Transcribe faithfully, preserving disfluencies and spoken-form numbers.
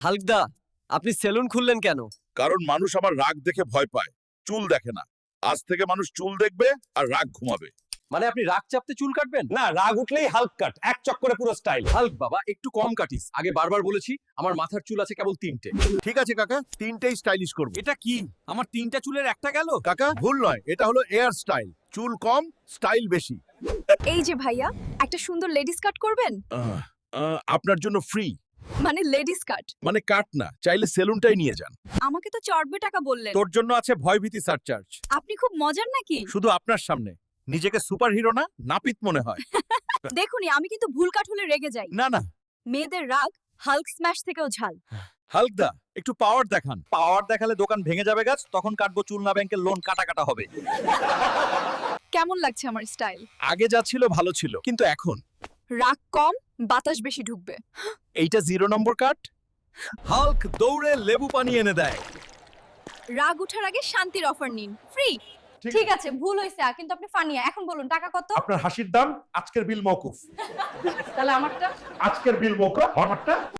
হালকদা, আপনি সেলুন খুললেন কেন? কারণ মানুষ আমার রাগ দেখে ভয় পায়, চুল দেখে না। আজ থেকে মানুষ চুল দেখবে আর রাগ ঘুমাবে। মানে আপনি রাগ চাপতে চুল কাটবেন? না, রাগ উঠলেই হাল্ক কাট, এক চক্করে পুরো স্টাইল। হাল্ক বাবা, একটু কম কাটিস। আগে বারবার বলেছি, আমার মাথার চুল আছে কেবল তিনটে। ঠিক আছে কাকা, তিনটেই স্টাইলিশ করব। এটা কি? আমার তিনটা চুলের একটা গেল। কাকা ভুল নয়, এটা হলো এয়ার স্টাইল। চুল কম, স্টাইল বেশি। এই যে ভাইয়া, একটা সুন্দর লেডিস কাট করবেন? আহ, আহ, আপনার জন্য ফ্রি। মানে লেডিস কাট? মানে কাট না, চাইলে সেলুনটাই নিয়ে যান। আমাকে তো চড়বে টাকা বললেন। তোর জন্য আছে ভয়ভীতি সারচার্জ। আপনি খুব মজার নাকি? শুধু আপনার সামনে। নিজেকে সুপার হিরো না, নাপিত মনে হয়। দেখুনি, আমি কিন্তু ভুল কাট হলে রেগে যাই। না না, মেয়েদের রাগ হাল্ক স্ম্যাশ থেকেও ঝাল। হালকদা একটু পাওয়ার দেখান। পাওয়ার দেখালে দোকান ভেঙে যাবে গাছ, তখন কাটবো চুল না ব্যাংকের লোন কাটা কাটা হবে। কেমন লাগছে আমার স্টাইল? আগে যা ছিল ভালো ছিল, কিন্তু এখন রাগ কম, বাতাস বেশি ঢুকবে। এইটা জিরো নম্বর কাট। হাল্ক দৌড়ে লেবু পানি এনে দেয়। রাগ উঠার আগে শান্তির অফার নিন, ফ্রি। ঠিক আছে, ভুল হয়েছে, কিন্তু আপনি ফানিয়া। এখন বলুন টাকা কত? আপনার হাসির দাম আজকের বিল মওকুফ। তাহলে আমারটা? আজকের বিল মওকুফ, আমারটা